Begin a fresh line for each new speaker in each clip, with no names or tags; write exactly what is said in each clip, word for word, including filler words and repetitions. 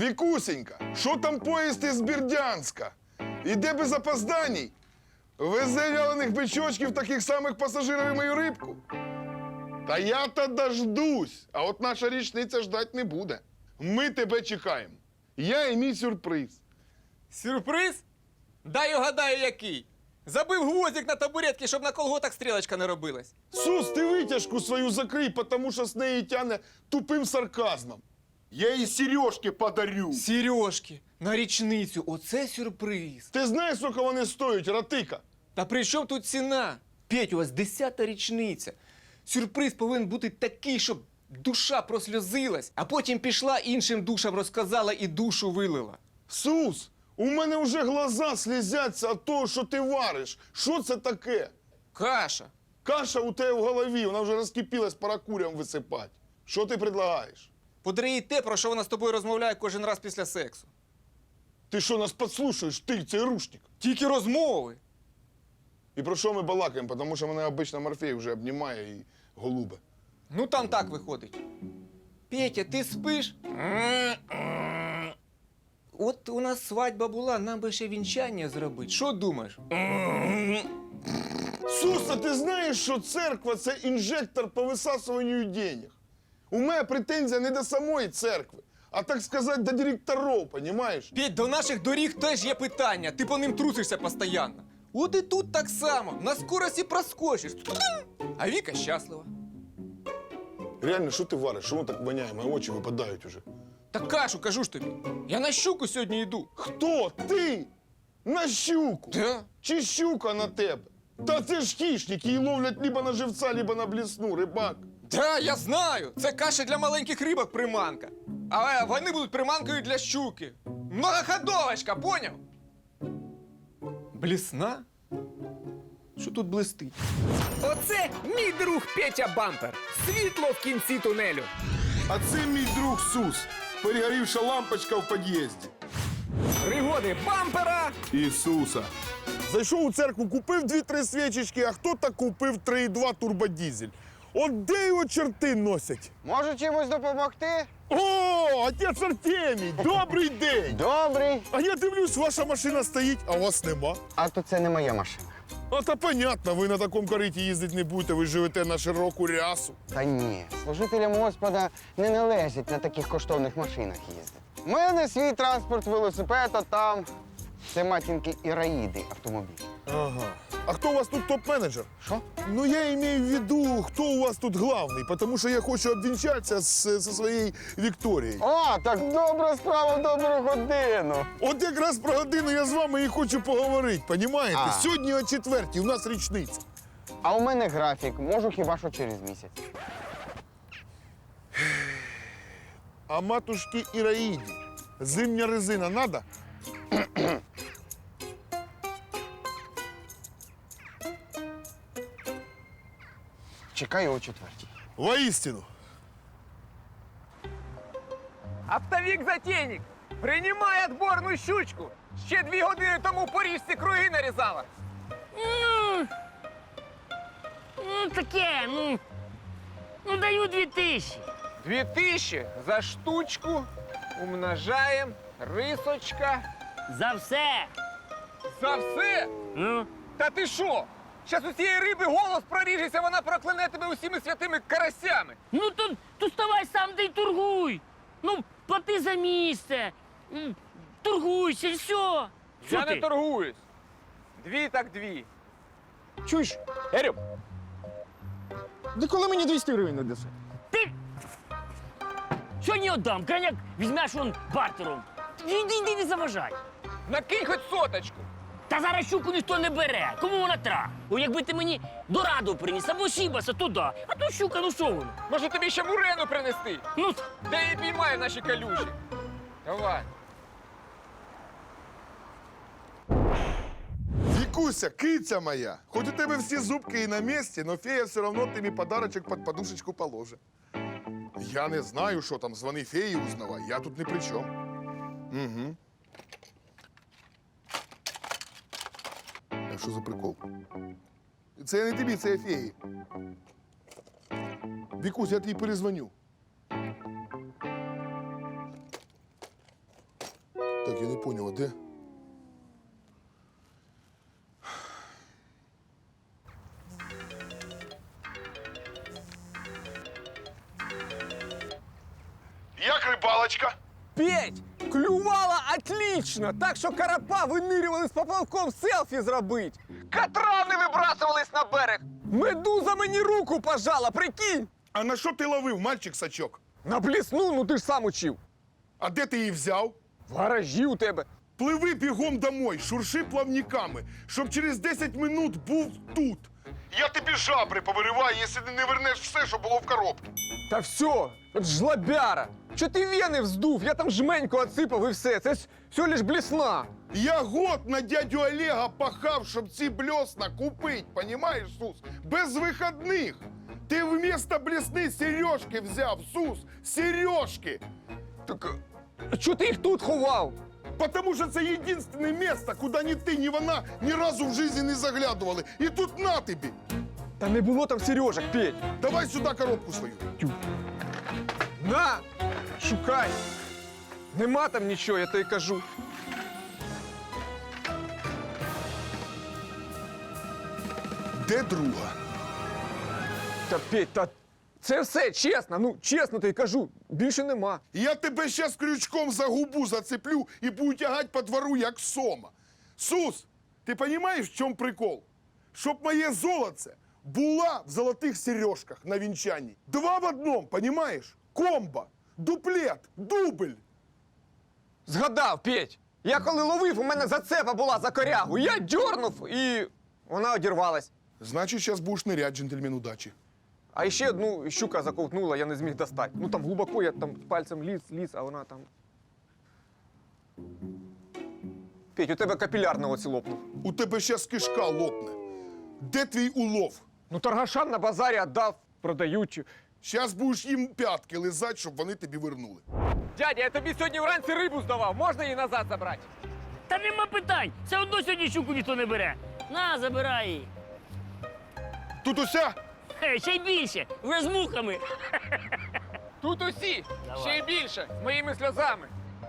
Вікусенька, що там поїзд із Бердянська? Іде без опозданій? Везе вялених бичочків, таких самих пасажирів і мою рибку? Та я-то дождусь, а от наша річниця ждать не буде. Ми тебе чекаємо. Я і мій сюрприз.
Сюрприз? Дай угадаю, який. Забив гвоздик на табуретки, щоб на колготах стрілочка не робилась.
Сус, ти витяжку свою закрий, тому що з неї тяне тупим сарказмом. Я їй сережки подарю.
Сережки, на річницю, оце сюрприз.
Ти знаєш, скільки вони стоять, ратика?
Та при чому тут ціна? Петь, у вас десята річниця. Сюрприз повинен бути такий, щоб душа просльозилась, а потім пішла іншим душам розказала і душу вилила.
Сус, у мене вже глаза слізяться від того, що ти вариш. Що це таке?
Каша.
Каша у тебе в голові, вона вже розкипілась, пора курям висипати. Що ти предлагаєш?
Подари їй те, про що вона з тобою розмовляє кожен раз після сексу.
Ти що, нас підслушуєш, ти, цей рушник?
Тільки розмови.
І про що ми балакаємо? Тому що мене обично Морфей вже обнімає і голубе.
Ну там так виходить. Петя, ти спиш? От у нас свадьба була, нам би ще вінчання зробити. Що думаєш?
Суса, ти знаєш, що церква – це інжектор по висасуванню денег? У мене претензія не до самої церкви, а, так сказати, до директорів, понімаєш?
Петь, до наших доріг теж є питання. Ти по ним трусишся постійно. От і тут так само. На скорості проскочиш. А Віка щаслива.
Реально, що ти вариш? Що воно так воняє? Мої очі випадають уже.
Та кашу, кажу ж тобі. Я на щуку сьогодні йду.
Хто? Ти? На щуку?
Да.
Чи щука на тебе? Та це ж хищник, її ловлять либо на живця, либо на блісну, рибак.
Да, я знаю. Це каша для маленьких рибок приманка. А вони будуть приманкою для щуки. Многоходовочка, поняв? Блісна? Що тут блистить?
Оце мій друг Петя Бампер. Світло в кінці тунелю.
А це мій друг Сус. Перегорівша лампочка в під'їзді.
Пригоди бампера.
Ісуса. Зайшов у церкву, купив дві-три свічечки, а хто-то купив три і два турбодізель. От де його чорти носять?
Можу чимось допомогти?
О, отець Артемій, добрий день!
Добрий.
А я дивлюсь, ваша машина стоїть, а вас нема.
А то це не моя машина.
А та понятно, ви на такому кориті їздити не будете, ви живете на широку рясу.
Та ні, служителям Господа не належить на таких коштовних машинах їздити. У мене свій транспорт, велосипед, а там це матінки Іраїди автомобіль.
Ага. А хто у вас тут топ-менеджер?
Що?
Ну, я маю в виду, хто у вас тут главний, тому що я хочу обвінчатися з, зі своєю Вікторією.
О, так добра справа в добру годину.
От якраз про годину я з вами і хочу поговорити, понімаєте?
А.
Сьогодні о четвертій, у нас річниця.
А у мене графік, можу хіба що через місяць.
А матушки Іраїді, зимня резина надо?
Чекаю о четвертій.
Воістину.
Оптовик Затейник. Приймай отборну щучку. Ще дві години тому по річці круги нарізала.
Ну, ну таке, ну, ну даю дві тисячі.
Дві тисячі за штучку. Умножаємо. Рисочка.
За все.
За все?
Ну,
Та ти що? Щас у цієї риби голос проріжеться, вона прокляне тебе усіми святими карасями.
ну то, то ставай сам да й торгуй. Ну, плати за місце. М, Торгуйся, і все. Що
Я
ти?
не торгуюсь. Дві так дві. Чуєш, Ерю? Ти коли мені двісті гривень не даси?
Ти... Сьогодні віддам, коняк візьмеш он бартером. Іди, іди, не заважай.
Накинь хоч соточку.
Та зараз щуку ніхто не бере. Кому вона тра? О, якби ти мені дораду приніс, або сібаса, то да. А то щука, ну що воно?
Може тобі ще мурену принести?
Ну,
Де її піймає в наші калюжі? Давай.
Вікуся, киця моя, хоч у тебе всі зубки і на місці, но фея все одно тобі подарочок під подушечку положить. Я не знаю, що там, звони феї узнавай, я тут не при чому. Угу. А що за прикол? Це я не тобі, це я феї. Вікусь, я тобі перезвоню. Так, я не понял, а де? Як рибалочка?
Петь, клювала отлично, так що карапа винирювали з поплавком селфі зробить. Катрани вибрасувались на берег. Медуза мені руку пожала, прикинь.
А на що ти ловив, мальчик-сачок?
На блісну, ну ти ж сам учив.
А де ти її взяв?
В гаражі у тебе.
Пливи бігом домой, шурши плавниками, щоб через десять минут був тут. Я тобі жабри повириваю, якщо ти не вернеш все, що було в коробці.
Та все, от жлобяра. Що ти вени вздув? Я там жменьку отсипав і все. Це ж все лиш блісна.
Я год на дядю Олега пахав, щоб ці блесна купить, понімаєш, Сус? Без вихідних. Ти вмісто блесни сережки взяв, Сус, сережки.
Так, а чого ти їх тут ховав?
Потому що це єдине місце, куди ні ти, ні вона ні разу в житті не заглядували. І тут на тобі.
Та не було там сережок, Петь.
Давай сюди коробку свою.
На, шукай. Нема там нічого, я тобі кажу.
Де друга?
Та Петь, та це все чесно, ну чесно тобі кажу, більше нема.
Я тебе щас крючком за губу зацеплю і буду тягати по двору, як сома. Сус, ти розумієш, в чому прикол? Щоб моє золоце була в золотих сережках на вінчанні. Два в одному, розумієш? Комбо, дуплет, дубль.
Згадав, Петь. Я коли ловив, у мене зацепа була за корягу. Я дьорнув і вона одірвалась.
Значить, зараз будеш нирять, джентльмен удачі.
А ще одну щука заковтнула, я не зміг достати. Ну там глибоко, я там пальцем ліз, ліз, а вона там. Петь, у тебе капіляр на оці лопнув.
У тебе зараз кишка лопне. Де твій улов?
Ну торгашам на базарі віддав, продають.
Зараз будеш їм п'ятки лизати, щоб вони тобі вернули.
Дядя, я тобі сьогодні вранці рибу здавав, можна її назад забрати?
Та нема питань. Все одно сьогодні щуку ніхто не бере. На, забирай її.
Тут уся?
Хе, ще й більше, вже з мухами.
Тут усі,
Давай.
ще й більше, з моїми сльозами.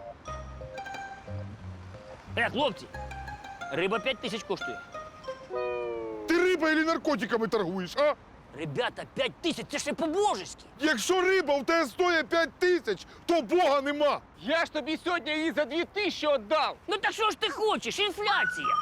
Е, хлопці, риба п'ять тисяч коштує.
Ти риба чи наркотиками торгуєш, а?
Ребята, п'ять тисяч, це ще по-божеськи.
Якщо риба в тебе стоїть п'ять тисяч, то Бога нема.
Я ж тобі сьогодні її за дві тисячі віддав.
Ну так що ж ти хочеш? Інфляція.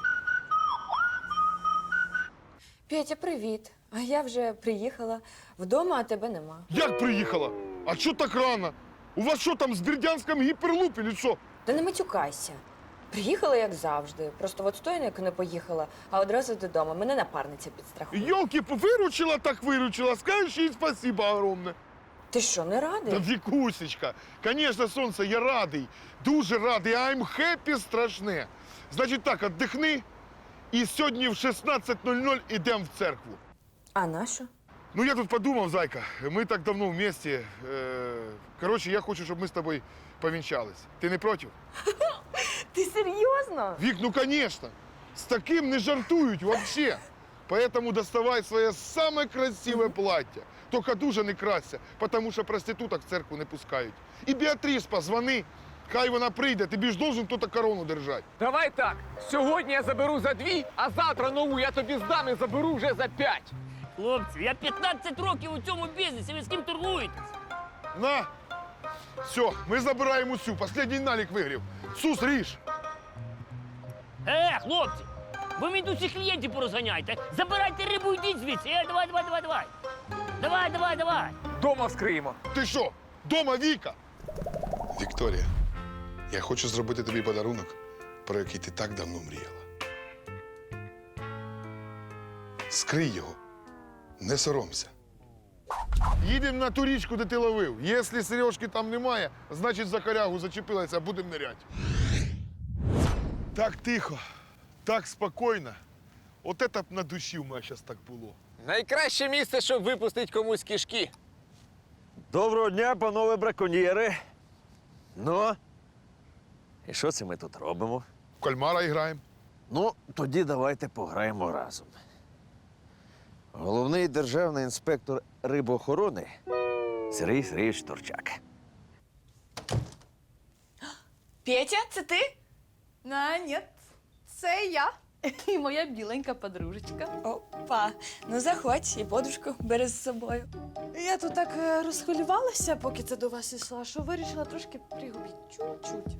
Петя, привіт. А я вже приїхала. Вдома, а тебе нема.
Як приїхала? А що так рано? У вас що там з Бердянськом гіперлуп чи що?
Та не матюкайся. Приїхала, як завжди. Просто в отстойник не поїхала, а одразу додому. Мене напарниця підстрахує.
Йолки, виручила так виручила, скажеш їй спасибо огромне.
Ти що, не радий?
Та Вікусечка, звісно, сонце, я радий, дуже радий, I'm happy страшне. Значить так, віддихни, і сьогодні в шістнадцять нуль нуль йдемо в церкву.
А на що?
Ну, я тут подумав, зайка, ми так давно вместе. Е, коротше, я хочу, щоб ми з тобою повінчались. Ти не проти?
Ти серйозно?
Вік, ну, звісно. З таким не жартують вообще. Поэтому доставай своє саме красиве плаття. Тільки дуже не крася, тому що проституток в церкву не пускають. І Біатріс позвони, хай вона прийде, тобі ж должен хтось корону держати.
Давай так. Сьогодні я заберу за дві, а завтра нову я тобі здам і заберу вже за п'ять.
Хлопці, я п'ятнадцять років у цьому бізнесі, ви з ким торгуєтесь?
На! Все, ми забираємо усю, останній налік вигрів. Сус, ріж!
Е, хлопці, ви мені тут всіх клієнтів порозганяйте. Забирайте рибу, йдіть звідси. Е, давай, давай, давай, давай. Давай, давай, давай.
Дома вскриємо.
Ти що, дома Віка? Вікторія, я хочу зробити тобі подарунок, про який ти так давно мріяла. Скрий його, не соромся. Їдемо на ту річку, де ти ловив. Якщо Сережки там немає, значить за корягу зачепилася, будемо ниряти. Так тихо, так спокійно. От це б на душі в мене зараз так було.
Найкраще місце, щоб випустити комусь кишки.
Доброго дня, панове браконьєри. Ну, і що це ми тут робимо?
В кальмара граємо.
Ну, тоді давайте пограємо разом. Головний державний інспектор рибоохорони Сергій Сергійович Торчак.
Петя, це ти?
А, ні, це я і моя біленька подружечка.
Опа, ну заходь, і подружку бери з собою.
Я тут так е, розхвилювалася, поки це до вас йшла, що вирішила трошки пригубити. Чуть-чуть.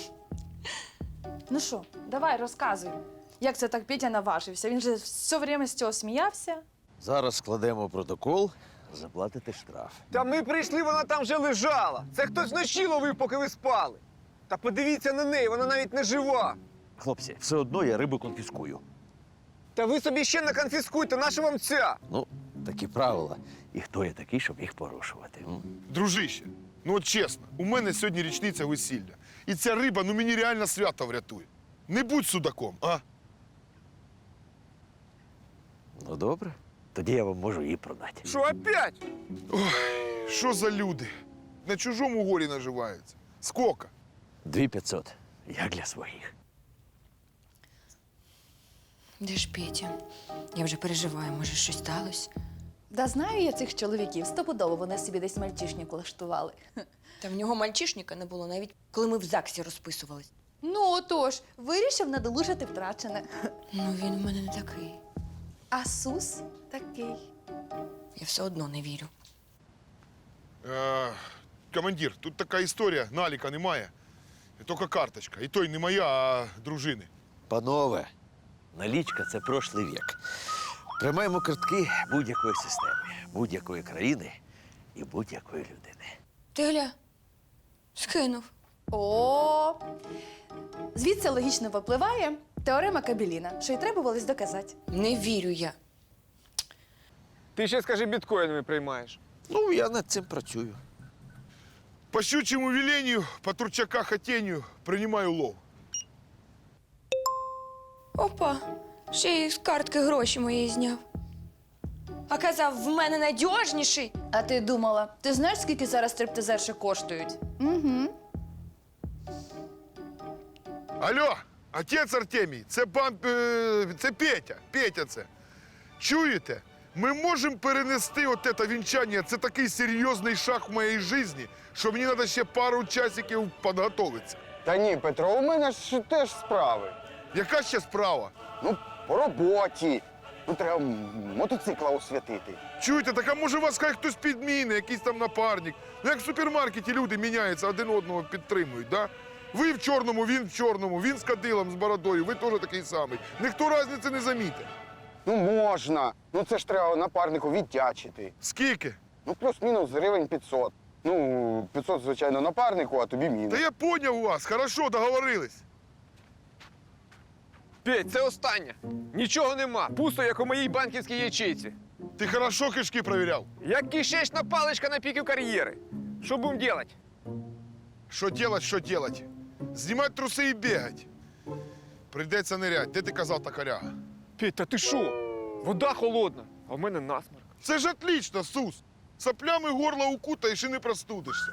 Ну що, давай, розказуй. Як це так Петя наважився? Він же все время з цього сміявся.
Зараз складемо протокол, заплатите штраф.
Та ми прийшли, вона там вже лежала. Це хтось вночі ловив, поки ви спали. Та подивіться на неї, вона навіть не жива.
Хлопці, все одно я рибу конфіскую.
Та ви собі ще не конфіскуйте, наша вам ця.
Ну, такі правила. І хто я такий, щоб їх порушувати? м?
Дружище, ну от чесно, у мене сьогодні річниця весілля. І ця риба, ну мені реально свято врятує. Не будь судаком, а?
Ну, добре. Тоді я вам можу її продати.
Що опять?
Що за люди? На чужому горі наживаються. Скока?
Дві п'ятсот. Як для своїх.
Де ж Петя? Я вже переживаю, може, щось сталося?
Да знаю я цих чоловіків, стопудово вони собі десь мальчишник влаштували.
Та в нього мальчишника не було, навіть коли ми в ЗАГСі розписувались.
Ну, отож, вирішив надолужити втрачене.
Ну він у мене не такий.
А Сус такий.
Я все одно не вірю.
Е, командир, тут така історія, наліка немає. Тільки карточка. І той не моя, а дружини.
Панове, налічка – це прошлий вік. Тримаємо картки будь-якої системи, будь-якої країни і будь-якої людини.
Ти гля, скинув.
О, звідси логічно випливає теорема Кабеліна, що й треба було доказати.
Не вірю я.
Ти ще скажи, біткоїнами приймаєш.
Ну, я над цим працюю.
По щучьему велению, по турчака хотению принимаю лов.
Опа, ще й з картки гроші мої зняв. А казав, в мене надіжніший.
А ти думала, ти знаєш, скільки зараз стриптизерші коштують? Угу.
Алло, отець Артемій, це пан, е, це Петя, Петя це. Чуєте? Ми можемо перенести от це вінчання, це такий серйозний шаг в моїй житті, що мені треба ще пару часиків підготуватися.
Та ні, Петро, у мене ж теж справи.
Яка ще справа?
Ну, по роботі. Ну, треба м- мотоцикла освятити.
Чуєте, так а може вас хай хтось підміни, якийсь там напарник. Ну як в супермаркеті люди міняються, один одного підтримують, да? Ви в чорному, він в чорному, він з кадилом, з бородою, ви теж такий самий. Ніхто різниці не замітить.
Ну, можна. Ну, це ж треба напарнику віддячити.
Скільки?
Ну, плюс-мінус гривень п'ятсот. Ну, п'ятсот, звичайно, напарнику, а тобі мінус.
Та я поняв вас, хорошо, договорились.
Петь, це останнє. Нічого нема. Пусто, як у моїй банківській ячейці.
Ти хорошо кишки провіряв?
Як кишечна паличка на піку кар'єри. Що будемо робити?
Що делать, що делать? Знімати труси і бігати. Прийдеться нирять. Де ти казав токаряга?
Петь, та ти що? Вода холодна, а в мене насморк.
Це ж отлично, Сус. Соплями горло укутаєш і не простудишся.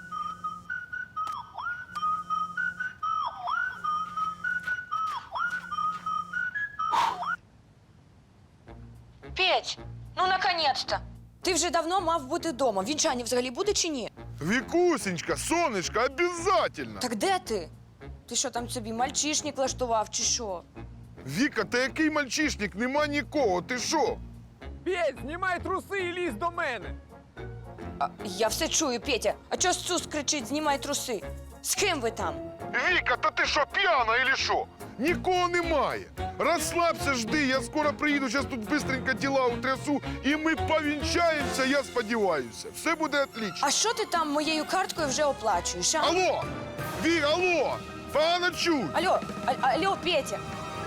Петь, ну наконець-то. Ти вже давно мав бути вдома. Вінчання взагалі буде чи ні?
Вікусенька, сонечка, обязательно.
Так де ти? Ти що там собі мальчишник влаштував чи що?
Віка, та який мальчишник? Нема нікого, ти що?
Петь, знімай труси і лізь до мене.
А, я все чую, Петя. А чого Сус кричить, знімай труси? З ким ви там?
Віка, та ти що, п'яна или що? Нікого немає. Розслабся, жди, я скоро приїду, зараз тут быстренько діла утрясу, і ми повінчаємося, я сподіваюся. Все буде отлично.
А що ти там моєю карткою вже оплачуєш, а?
Алло! Ві, алло! Погано чуй!
Алло, а, алло, Петя.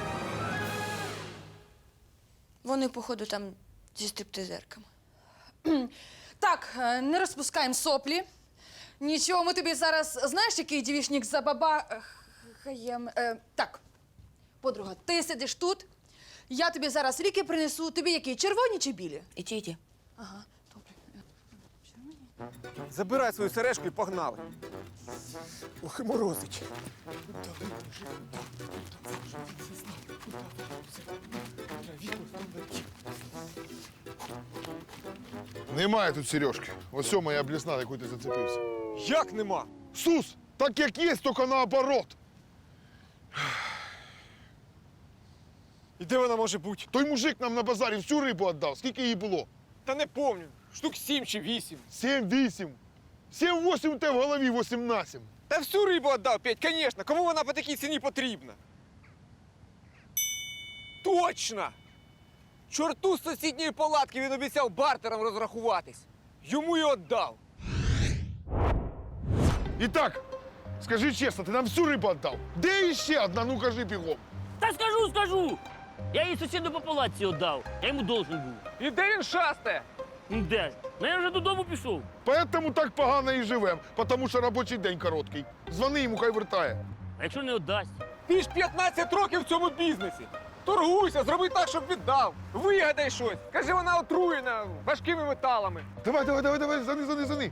Вони, походу, там зі стриптизерками.
Так, е, не розпускаємо соплі. Нічого, ми тобі зараз, знаєш, який дівішник за баба... е, хаєм... Е, так, подруга, ти сидиш тут, я тобі зараз ліки принесу. Тобі які, червоні чи білі?
І ті, і ті.
Ага, добре.
Забирай свою сережку і погнали. Ох, і морозить.
Немає тут сережки. Ось о моя блісна, яку ти зацепився.
Як нема?
Сус, так як є, тільки наоборот.
І де вона може бути?
Той мужик нам на базарі всю рибу віддав. Скільки її було?
Та не помню. Штук сім чи вісім.
Сім, вісім. Сім, восім у тебе в голові, восім на сім.
Та всю рибу віддав, Петь, звісно. Кому вона по такій ціні потрібна? Точно! Чорту з сусідньої палатки він обіцяв бартером розрахуватись. Йому й віддав.
І так, скажи чесно, ти нам всю рибу віддав. Де іще одна? Ну кажи бігом.
Та скажу, скажу! Я її сусіду по палаці віддав. Я йому должен був.
І де він шастає?
Ну, де ж? Ну я вже додому пішов.
Поэтому так погано і живем, тому що робочий день короткий. Звони йому, хай вертає.
А якщо не віддасть?
Ти ж п'ятнадцять років в цьому бізнесі. Торгуйся, зроби так, щоб віддав. Вигадай щось. Кажи, вона отруєна важкими металами.
Давай, давай, давай, давай, зани, зани, зани.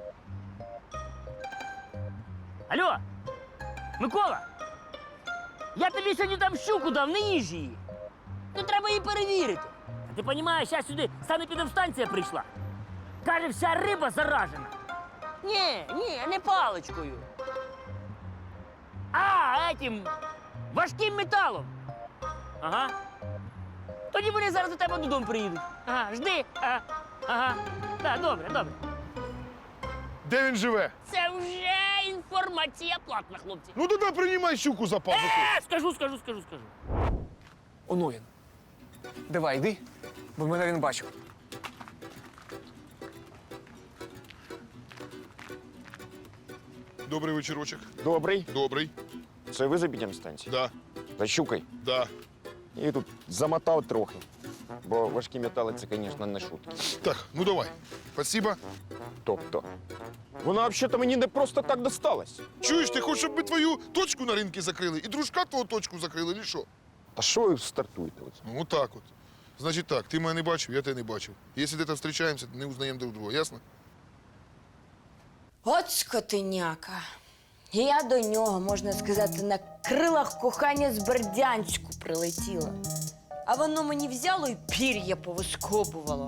Алло, Микола! Я тобі сьогодні там щуку дав, не їж її. Ну треба її перевірити. А ти розумієш, зараз сюди санепідемстанція прийшла. Каже, вся риба заражена. Ні, ні, не паличкою. А, етім важким металом. Ага. Тоді вони зараз до тебе додому приїдуть. Ага, жди. Ага. Ага. Так, добре, добре.
Де він живе?
Це вже інформація платна, хлопці.
Ну тоді приймай щуку за пазуху.
Е, скажу, скажу, скажу, скажу.
Оно він. Давай, йди, бо мене він бачив.
Добрий вечірочок.
Добрий.
Добрий.
Це ви за станції?
Да,
За щукою.
да.
І тут замотав трохи. Бо важкі метали це, звісно, не шутки.
Так, ну давай. Спасибо.
Тобто, вона взагалі мені не просто так досталась.
Чуєш, ти хочеш, щоб ми твою точку на ринку закрили і дружка твого точку закрили, чи що?
Та що ви стартуєте? Оце?
Ну так от. Значить так, ти мене не бачив, я тебе не бачив. Якщо де-то зустрічаємося, не узнаємо друг друга, ясно?
От скотиняка. І я до нього, можна сказати, на крилах кохання з Бердянську прилетіла. А воно мені взяло і пір'я повискобувало.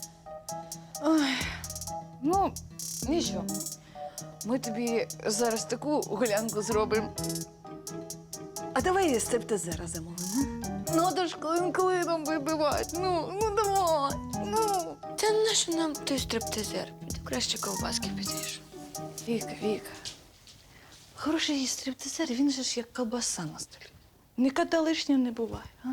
Ну, нічого. Ми тобі зараз таку гулянку зробимо. А давай стриптизера замовимо. Ну, то ж клин клином вибивать. Ну, ну давай. Ну.
Та нащо нам той стриптизер? Піду краще ковбаски підвішу.
Віка, Віка. Хороший стриптизер, він же ж як колбаса на столі. Ніколи лишнього не буває, а?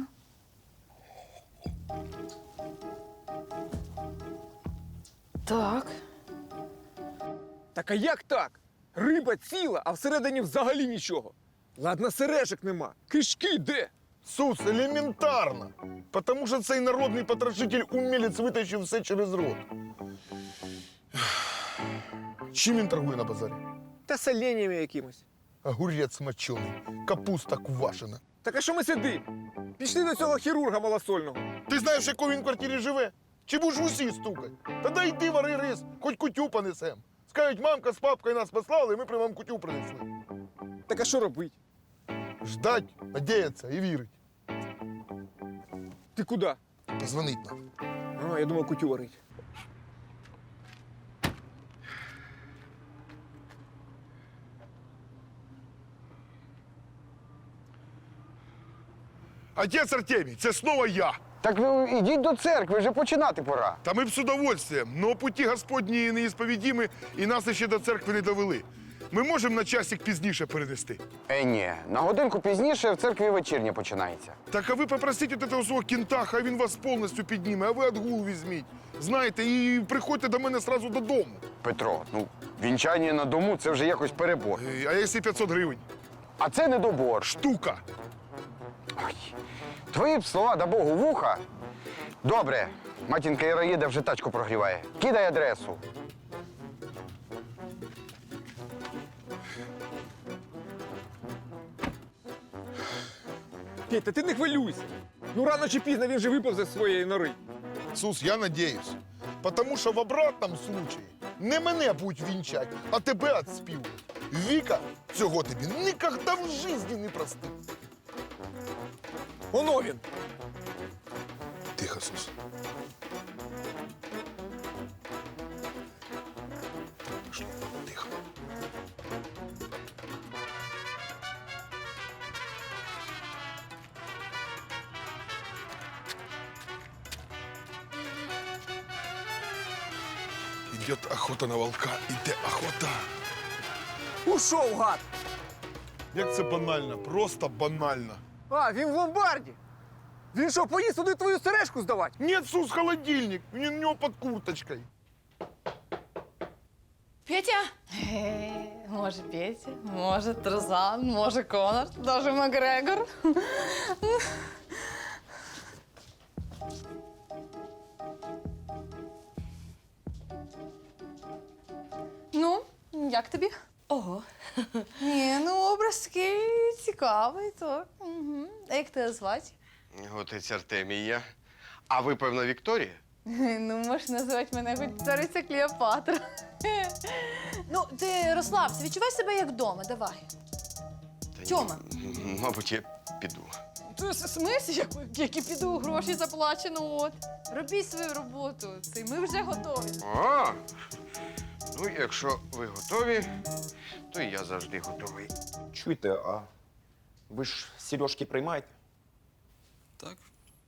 Так.
Так а як так? Риба ціла, а всередині взагалі нічого. Ладно, сережок нема. Кишки де?
Сус, елементарно. Тому що цей народний потрошитель умілець витащив все через рот. Чим він торгує на базарі?
Та соленями якимось.
Огурець мочений, капуста квашена.
Так а що ми сидимо? Пішли до цього хірурга малосольного.
Ти знаєш, в якій він квартирі живе? Чи будеш в усі стукать? Та йди вари рис, хоч кутю понесем. Скажуть, мамка з папкою нас послали, і ми при вам кутю принесли.
Так а що робить?
Ждать, надіятися і вірить.
Ти куди?
Позвонить нам.
А, я думав, кутю варить.
Отець Артемій, це знову я.
Так ну ідіть до церкви, вже починати пора.
Та ми б з удовольствием, но путі Господні неісповідімі і нас ще до церкви не довели. Ми можемо на часик пізніше перенести.
Е, ні, на годинку пізніше в церкві вечірня починається.
Так а ви попросіть от этого свого кінта, хай він вас повністю підніме, а ви отгул візьміть. Знаєте, і приходьте до мене сразу додому.
Петро, ну вінчання на дому це вже якось перебор.
Е, А якщо п'ятсот гривень?
А це недобор.
Штука.
Ой, твої б слова да Богу вуха. Добре, матінка Іраїда вже тачку прогріває. Кидай адресу.
Петь, та ти не хвилюйся. Ну рано чи пізно він же виповзе з своєї нори.
Сус, я надіюсь. Потому що в обратному случаї не мене будуть вінчати, а тебе отспівувати. Віка цього тобі ніколи в житті не простить.
Оно він.
Тихо, Сус. Пішло, тихо. Идет охота на волка, іде охота.
Ушов, гад!
Як це банально, просто банально.
А, він в ломбарді. Він що, поїзд туди твою сережку здавати?
Нет, Сус, холодильник, у него под курточкой.
Петя? Може, Петя, може, Тарзан, може, Конор, даже Макгрегор. Ну, як тобі?
Ого.
Ні, ну образ такий цікавий, так. Угу. А як тебе звати?
Отець Артемія. А ви, певно, Вікторія?
Ну, можеш назвати мене хоч цариця Клеопатра. Ну, ти розслабся, відчувай себе як вдома, давай.
Та
Тьома.
ні, мабуть, я піду.
Ти в смислі, як, як і піду, гроші заплачено, от. Робіть свою роботу, це ми вже готові.
А, ну, якщо ви готові, то і я завжди готовий.
Чуєте, а ви ж сережки приймаєте?
Так.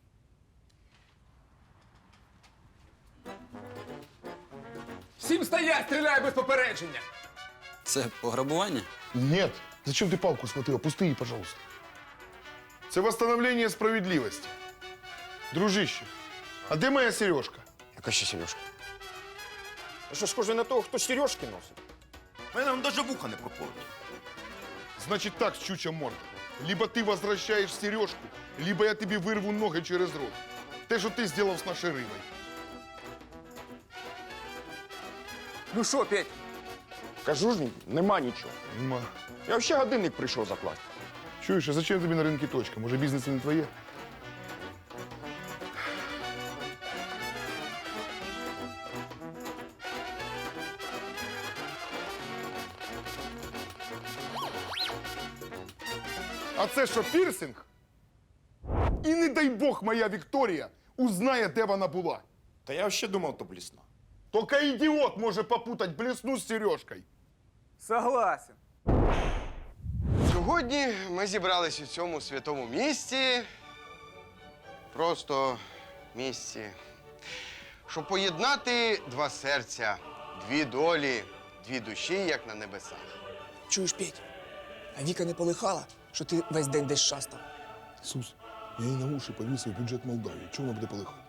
Всім стоять, стріляй без попередження!
Це пограбування?
Нет, зачем ты палку схватил? Опусти її, пожалуйста. Це восстановление справедливости. Дружище, а де моя сережка?
Яка ще сережка? Ви що, схоже на того, хто сережки носить?
У мене навіть вуха не проходить.
Значит так, щуча морда. Либо ты возвращаешь сережку, либо я тебе вырву ноги через рот. Те, що ти зробив з нашою рибою.
Ну що, Петь?
Кажу ж, нема нічого.
Ма.
Я ще годинник прийшов заплатити.
Чуєш, а зачем тобі на ринку точка? Може, бізнес не твоє? А це що, пірсинг? І не дай Бог моя Вікторія узнає, де вона була.
Та я ще думав, то блісна.
Тільки ідіот може попутати блесну з сережкою.
Согласен.
Сьогодні ми зібрались у цьому святому місці, просто місці, щоб поєднати два серця, дві долі, дві душі, як на небесах.
Чуєш, Петь, а Віка не полихала, що ти весь день десь шастав?
Сус, я їй на уші повісив бюджет Молдавії. Чого вона буде полихати?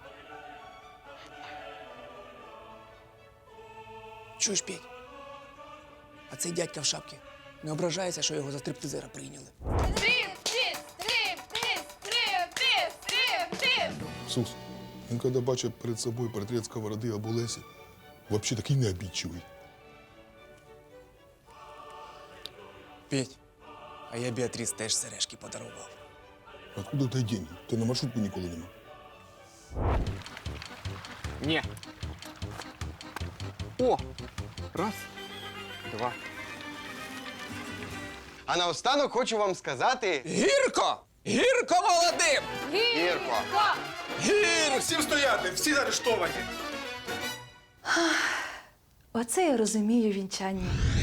Чуєш, Петь, а цей дядька в шапці не ображається, що його за стриптизера прийняли?
Сус, він коли бачить перед собою портрет Сковороди або Лесі, взагалі такий необідчивий.
Петь, а я Біатріс теж сережки подарував.
Откуда у тебе деньги? Ти на маршрутку ніколи нема.
Ні. О! Раз, два.
А наостанок хочу вам сказати,
Гірко! Гірко молодим!
Гірко,
Гірко!
Всім стояти, всі заарештовані.
Оце я розумію вінчання.